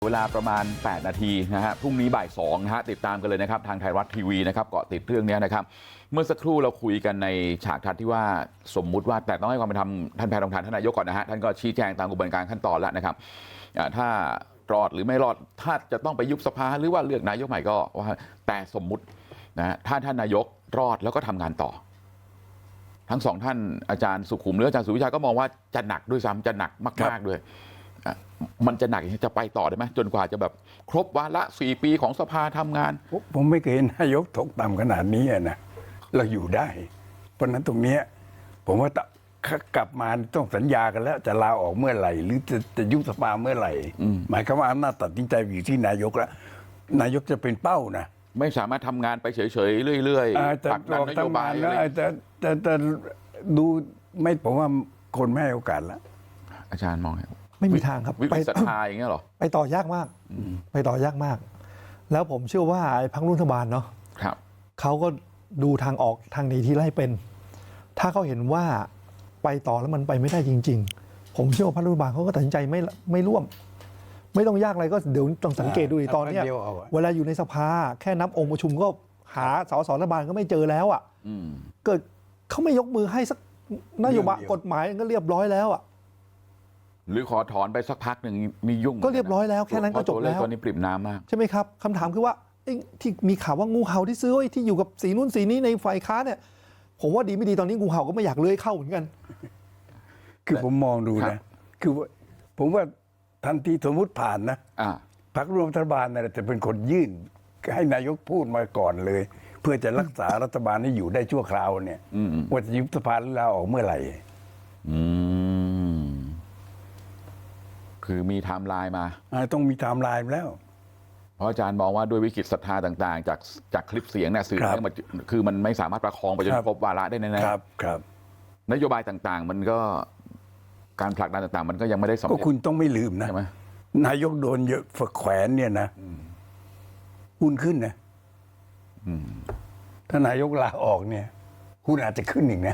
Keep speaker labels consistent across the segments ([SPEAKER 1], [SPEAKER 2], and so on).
[SPEAKER 1] เวลาประมาณ8นาทีนะฮะพรุ่งนี้บ่าย2นะฮะติดตามกันเลยนะครับทางไทยรัฐทีวีนะครับเกาะติดเรื่องนี้นะครับเมื่อสักครู่เราคุยกันในฉากทัศน์ที่ว่าสมมุติว่าแต่ต้องให้ความเป็นธรรมท่านแพทองทานท่านนายกก่อนนะฮะท่านก็ชี้แจงตามกระบวนการขั้นตอนแล้วนะครับถ้ารอดหรือไม่รอดถ้าจะต้องไปยุบสภาหรือว่าเลือกนายกใหม่ก็ว่าแต่สมมุตินะถ้าท่านนายกรอดแล้วก็ทำงานต่อทั้งสองท่านอาจารย์สุขุมหรืออาจารย์สุวิชาก็มองว่าจะหนักด้วยซ้ำจะหนักมากๆด้วยมันจะหนักจะไปต่อได้ไหมจนกว่าจะแบบครบวาระ4 ปีของสภาทำงาน
[SPEAKER 2] ผมไม่เคยเห็นนายกตกต่ำขนาดนี้นะเราอยู่ได้เพราะนั้นตรงนี้ผมว่ากลับมาต้องสัญญากันแล้วจะลาออกเมื่อไหร่หรือจะยุบสภาเมื่อไหร่หมายความว่าอำนาจตัดสินใจอยู่ที่นายกแล้วนายกจะเป็นเป้านะ
[SPEAKER 1] ไม่สามารถทำงานไปเฉยๆเรื่อยๆผลักดันนโยบายอะไร
[SPEAKER 2] แต่ดูไม่ผมว่าคนไม่ให้โอกาสแล้ว
[SPEAKER 1] อาจารย์มอง
[SPEAKER 3] ไม่มีทางครับ
[SPEAKER 1] ไปศรัทธาอย่างเงี้ยหรอ
[SPEAKER 3] ไปต่อยากมากไปต่อยากมากแล้วผมเชื่อว่าไอ้พรรครัฐบาลเนาะเขาก็ดูทางออกทางหนีที่ไล่เป็นถ้าเขาเห็นว่าไปต่อแล้วมันไปไม่ได้จริงๆผมเชื่อว่าพรรครัฐบาลเขาก็ตัดสินใจไม่ร่วมไม่ต้องยากอะไรก็เดี๋ยวต้องสังเกตดูตอนนี้เวลาอยู่ในสภาแค่นับองค์ประชุมก็หาสสรัฐบาลก็ไม่เจอแล้วอ่ะเกิดเขาไม่ยกมือให้สักนโยบายกฎหมายก็เรียบร้อยแล้วอ่ะ
[SPEAKER 1] หรือขอถอนไปสักพักหนึ่งมียุ่ง
[SPEAKER 3] ก็เรียบร้อยแล้วแค่นั้นก็จบแล้ว
[SPEAKER 1] ตอนนี้ปริ่มน้ำมาก
[SPEAKER 3] ใช่ไหมครับคำถามคือว่าที่มีข่าวว่างูเห่าที่ซื้อที่อยู่กับสีนู้นสีนี้ในฝ่ายค้าเนี่ยผมว่าดีไม่ดีตอนนี้งูเห่าก็ไม่อยากเลื้อยเข้าเหมือนกัน
[SPEAKER 2] คือผมมองดูนะคือผมว่าทันทีสมมุติผ่านนะพรรคร่วมรัฐบาลเนี่ยจะเป็นคนยื่นให้นายกพูดมาก่อนเลยเพื่อจะรักษารัฐบาลให้อยู่ได้ชั่วคราวเนี่ยว่าจะยุบสภาหรือลาออกเมื่อไหร่
[SPEAKER 1] คือมีไทม์ไลน์มา
[SPEAKER 2] ต้องมีไทม์ไลน์แล้ว
[SPEAKER 1] เพราะอาจารย์มองว่าด้วยวิกฤตศรัทธาต่างๆจากคลิปเสียงเนี่ยสื่อเนี่ยมันคือมันไม่สามารถประคองไปจนครบวาระได้แน่
[SPEAKER 2] ๆครับ
[SPEAKER 1] นโยบายต่างๆมันก็การผลักดันต่างๆมันก็ยังไม่ได้สำเร็จ
[SPEAKER 2] ก็คุณต้องไม่ลืมนะนายกโดนเยอะฝักแขวนเนี่ยนะหุ้นขึ้นนะถ้านายกลาออกเนี่ยหุ้นอาจจะขึ้นอีกนะ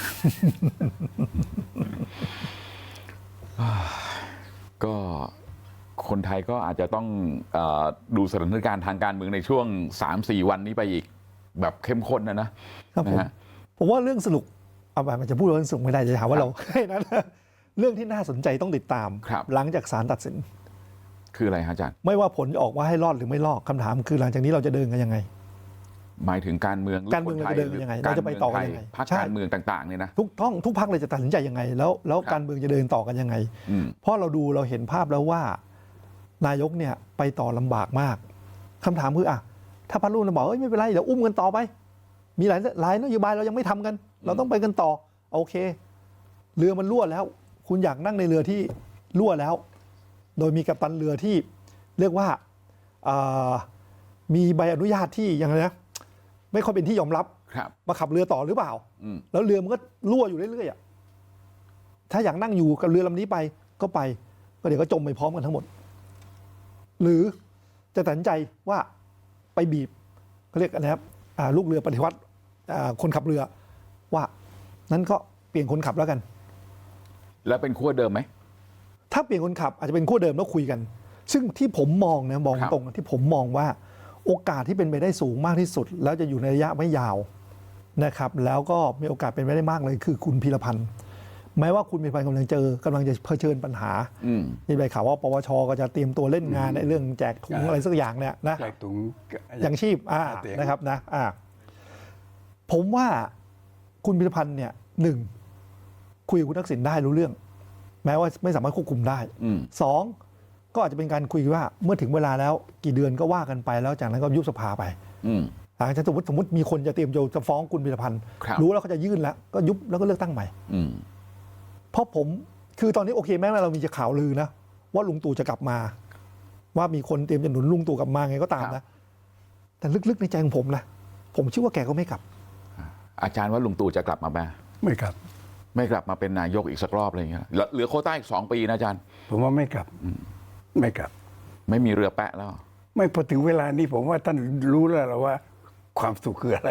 [SPEAKER 1] ก็คนไทยก็อาจจะต้องดูสถานการณ์ทางการเมืองในช่วง 3-4 วันนี้ไปอีกแบบเข้มข้นนะครับ
[SPEAKER 3] ผมว่าเรื่องสนุกเอาไปมันจะพูดเรื่องสนุกไม่ได้จะถามว่าเราแค่นั้นเรื่องที่น่าสนใจต้องติดตามหลังจากศาลตัดสิน
[SPEAKER 1] คืออะไรฮะอาจารย์
[SPEAKER 3] ไม่ว่าผลออกว่าให้รอดหรือไม่รอดคำถามคือหลังจากนี้เราจะเดินกันยังไง
[SPEAKER 1] หมายถึงการเมือง
[SPEAKER 3] เราจะเดินกันยังไงเราจะไปต่อกันยังไง
[SPEAKER 1] พรรคการเมืองต่างๆเนี่ยนะ
[SPEAKER 3] ทุกพรรคเลยจะตัดสินใจยังไงแล้วการเมืองจะเดินต่อกันยังไงเพราะเราเห็นภาพแล้วว่านายกเนี่ยไปต่อลำบากมากคำถามคือถ้าพรรครุ่นบอกไม่เป็นไรเดี๋ยวอุ้มกันต่อไปมีหลายนโยบายเรายังไม่ทำกันเราต้องไปกันต่อโอเคเรือมันรั่วแล้วคุณอยากนั่งในเรือที่รั่วแล้วโดยมีกัปตันเรือที่เรียกว่ามีใบอนุญาตที่ยังไงนะไม่ค่อยเป็นที่ยอมรับมาขับเรือต่อหรือเปล่าแล้วเรือมันก็รั่วอยู่เรื่อยๆถ้าอยากนั่งอยู่กับเรือลำนี้ไปก็ไปก็เดี๋ยวก็จมไปพร้อมกันทั้งหมดหรือจะตัดสินใจว่าไปบีบเขาเรียกอะไรครับลูกเรือปฏิวัติคนขับเรือว่านั้นก็เปลี่ยนคนขับแล้วกัน
[SPEAKER 1] แล้วเป็นขั้วเดิมไหม
[SPEAKER 3] ถ้าเปลี่ยนคนขับอาจจะเป็นขั้วเดิมแล้วคุยกันซึ่งที่ผมมองนะมองตรงที่ผมมองว่าโอกาสที่เป็นไปได้สูงมากที่สุดแล้วจะอยู่ในระยะไม่ยาวนะครับแล้วก็มีโอกาสเป็นไปได้มากเลยคือคุณพีรพันธ์แม้ว่าคุณพีรพันธ์กำลังจะเผชิญปัญหามีใบข่าวว่าปวชก็จะเตรียมตัวเล่นงานในเรื่องแจกถุงอะไรสักอย่างเนี่ยนะ
[SPEAKER 2] แจกถุง
[SPEAKER 3] ยังชีพนะครับนะผมว่าคุณพีรพันธ์เนี่ยคุยกับคุณทักษิณได้รู้เรื่องแม้ว่าไม่สามารถควบคุมได้2ก็อาจจะเป็นการคุยว่าเมื่อถึงเวลาแล้วกี่เดือนก็ว่ากันไปแล้วจากนั้นก็ยุบสภาไปหลังจากสมมติมีคนจะเตรียมจะฟ้องคุณพีรพันธ์รู้แล้วเขาจะยื่นแล้วก็ยุบแล้วก็เลือกตั้งใหม่เพราะผมคือตอนนี้โอเคแม้ว่าเรามีข่าวลือนะว่าลุงตู่จะกลับมาว่ามีคนเตรียมจะหนุนลุงตู่กลับมาไงก็ตามนะแต่ลึกๆในใจของผมนะผมเชื่อว่าแกก็ไม่กลับ
[SPEAKER 1] อาจารย์ว่าลุงตู่จะกลับมาไหม
[SPEAKER 2] ไม่กลับ
[SPEAKER 1] มาเป็นนายกอีกสักรอบอะไรอย่างเงี้ยเหลือโควต้าอีก2 ปีนะอาจารย์
[SPEAKER 2] ผมว่าไม่กลับ
[SPEAKER 1] ไม่มีเรือแปะแล้ว
[SPEAKER 2] ไม่พอถึงเวลานี้ผมว่าท่านรู้แล้วว่าความสุขคืออะไร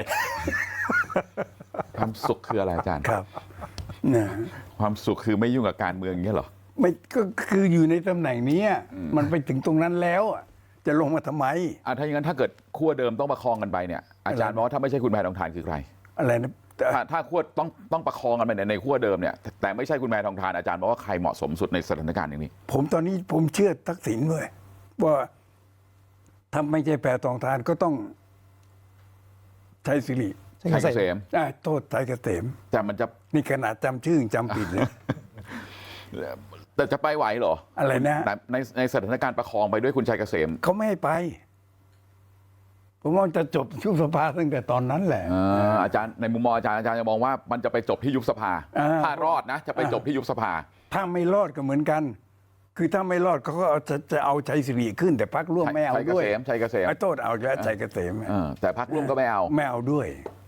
[SPEAKER 1] ความสุขคืออะไรอาจารย์
[SPEAKER 2] ครับ
[SPEAKER 1] ความสุขคือไม่ยุ่งกับการเมืองอย่างเงี้ยเหรอ
[SPEAKER 2] ไม่ก็คืออยู่ในตำแหน่งนี้มันไปถึงตรงนั้นแล้วจะลงมาทำไม
[SPEAKER 1] ถ้าอย่างนั้นถ้าเกิดขั้วเดิมต้องประคองกันไปเนี่ยอาจารย์บอกว่าถ้าไม่ใช่คุณแพทองทานคือใคร
[SPEAKER 2] อะไรนะ
[SPEAKER 1] ถ้าขั้วต้องประคองกันไปในขั้วเดิมเนี่ยแต่ไม่ใช่คุณแพทองทานอาจารย์บอกว่าใครเหมาะสมสุดในสถานการณ์อย่างนี้
[SPEAKER 2] ผมตอนนี้ผมเชื่อทักษิณด้วยว่าถ้าไม่ใช่แพทองทานก็ต้องใช้สิริ
[SPEAKER 3] ชัย
[SPEAKER 1] ชัย
[SPEAKER 3] เก
[SPEAKER 1] เก
[SPEAKER 3] ษ
[SPEAKER 1] ษ
[SPEAKER 3] ม
[SPEAKER 1] ม
[SPEAKER 2] โทษชัยเกษม
[SPEAKER 1] แต่มันจะ
[SPEAKER 2] นี่ขนาดจำชื่อจำผิดเลย
[SPEAKER 1] แต่จะไปไหวเหรอ
[SPEAKER 2] อะไรนะ
[SPEAKER 1] ในสถานการณ์ประคองไปด้วยคุณชัยเกษม
[SPEAKER 2] เขาไม่ให้ไป ผมว่าจะจบยุบสภาตั้งแต่ตอนนั้นแหละ
[SPEAKER 1] อาจารย์ในมุมมองอาจารย์จะมองว่ามันจะไปจบที่ยุบสภา ถ้ารอดนะจะไปจบที่ยุบสภา
[SPEAKER 2] ถ้าไม่รอดก็เหมือนกัน คือถ้าไม่รอดเขาก็จะเอาชัยสิริขึ้น แต่พรรคร่วมไม่เอาด้วย
[SPEAKER 1] ชัยเกษม
[SPEAKER 2] ไอ้โทษเอาแล้วชัยเกษม
[SPEAKER 1] แต่พรรคร่วมก็ไม่เอา
[SPEAKER 2] ไม่เอาด้วย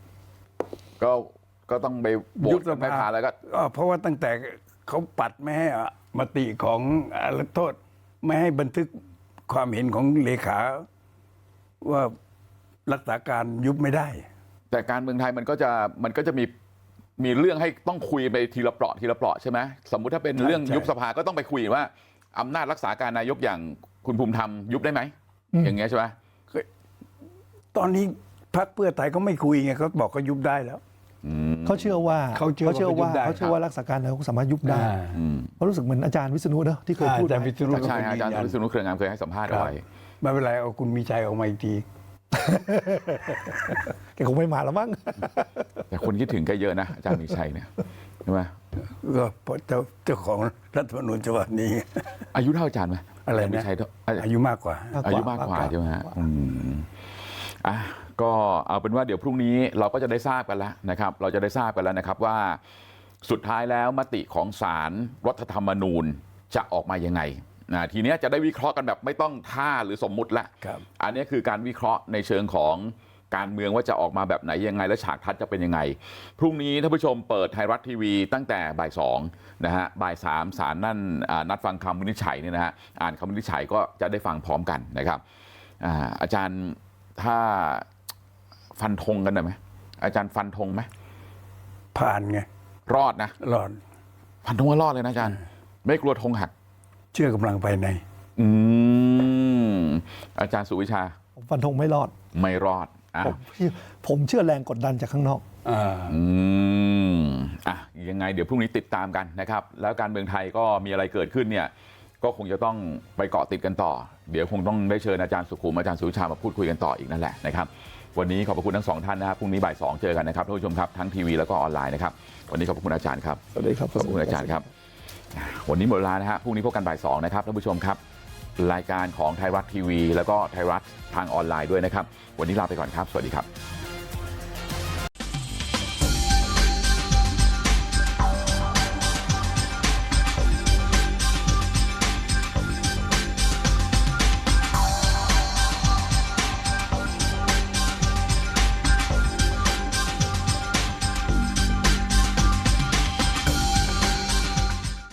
[SPEAKER 1] ก็ต้องไปโหว
[SPEAKER 2] ยุ
[SPEAKER 1] ต
[SPEAKER 2] บส
[SPEAKER 1] ไม่
[SPEAKER 2] ภา
[SPEAKER 1] ผ่านแล้วก็
[SPEAKER 2] เพราะว่าตั้งแต่เขาปัดไม่ให้มติของโทษ ไม่ให้บันทึกความเห็นของเลขาว่ารักษาการยุบไม่ได้
[SPEAKER 1] แต่การเมืองไทยมันก็จะมีเรื่องให้ต้องคุยไปทีละเปราะทีละเปราะใช่ไหมสมมุติถ้าเป็นเรื่อง
[SPEAKER 2] ใช่
[SPEAKER 1] ยุบสภาก็ต้องไปคุยว่าอำนาจรักษาการนายกอย่างคุณภูมิธรรมยุบได้ไหมอย่างเงี้ยใช่ไหม
[SPEAKER 2] ตอนนี้พรรคเพื่อไทยเขาไม่คุยไงเขาบอกเขายุบได้แล้ว
[SPEAKER 3] เขาเชื่อว่า
[SPEAKER 2] เขาเชื่อว่า
[SPEAKER 3] เขาเชื่อว่ารักษาการนายกสามารถยุบได้เขารู้สึกเหมือนอาจารย์วิษณุเนอะที่เคยพูด
[SPEAKER 2] อาจารย์
[SPEAKER 3] ไว้
[SPEAKER 2] วิษณุ
[SPEAKER 1] ใช่อาจารย์วิษณุเครืองามเคยให้สัมภาษณ์เอาไว้
[SPEAKER 2] ไม่เป็นไรเอาคุณมีชัยออกมาอีกที
[SPEAKER 3] แกคงไม่มาแล้วมั้ง
[SPEAKER 1] แต่คนคิดถึงแกเยอะนะอาจารย์มีชัยเนี่ยใช่ไหม
[SPEAKER 2] ก็เพราะเจ้าของรัฐธรรมนูญฉบับนี้
[SPEAKER 1] อายุเท่าอาจารย์ไหม
[SPEAKER 2] อะไร
[SPEAKER 1] าจาย์มี
[SPEAKER 2] นะ
[SPEAKER 1] ชัยเท่า
[SPEAKER 2] อายุมากกว่า
[SPEAKER 1] อายุมากกว่าใช่ไหมฮะก็เอาเป็นว่าเดี๋ยวพรุ่งนี้เราก็จะได้ทราบกันแล้วนะครับเราจะได้ทราบกันแล้วนะครับว่าสุดท้ายแล้วมติของศาลรัฐธรรมนูญจะออกมายังไงทีนี้จะได้วิเคราะห์กันแบบไม่ต้องท่าหรือสมมุติละ
[SPEAKER 2] ครับ
[SPEAKER 1] อันนี้คือการวิเคราะห์ในเชิงของการเมืองว่าจะออกมาแบบไหนยังไงและฉากทัศน์จะเป็นยังไงพรุ่งนี้ท่านผู้ชมเปิดไทยรัฐทีวีตั้งแต่บ่าย2นะฮะบ่าย3ศาลนั่นนัดฟังคำวินิจฉัยเนี่ยนะฮะอ่านคำวินิจฉัยก็จะได้ฟังพร้อมกันนะครับอาจารย์ถ้าฟันธงกันได้ไหมอาจารย์ฟันธงไหม
[SPEAKER 2] ผ่านไง
[SPEAKER 1] รอดนะ
[SPEAKER 2] รอด
[SPEAKER 1] ฟันธงว่ารอดเลยนะอาจารย์ไม่กลัวธงหัก
[SPEAKER 2] เชื่อกำลังภายใน
[SPEAKER 1] อาจารย์สุวิชา
[SPEAKER 3] ผมฟันธงไม่รอด
[SPEAKER 1] ไม่รอดอ่ะ
[SPEAKER 3] ผมเชื่อแรงกดดันจากข้างนอก
[SPEAKER 1] ยังไงเดี๋ยวพรุ่งนี้ติดตามกันนะครับแล้วการเมืองไทยก็มีอะไรเกิดขึ้นเนี่ยก็คงจะต้องไปเกาะติดกันต่อเดี๋ยวคงต้องได้เชิญอาจารย์สุขุมอาจารย์สุวิชามาพูดคุยกันต่ออีกนั่นแหละนะครับวันนี้ขอบพระคุณทั้งสองท่านนะครับพรุ่งนี้บ่าย2เจอกันนะครับท่านผู้ชมครับทั้งทีวีแล้วก็ออนไลน์นะครับวันนี้ขอบพระคุณอาจารย์ครับ
[SPEAKER 3] สวัสดีครับ
[SPEAKER 1] ขอบคุณอาจารย์ครับวันนี้หมดเวลานะฮะพรุ่งนี้พบกันบ่าย2นะครับท่านผู้ชมครับรายการของไทยรัฐทีวีแล้วก็ไทยรัฐทางออนไลน์ด้วยนะครับวันนี้ลาไปก่อนครับสวัสดีครับ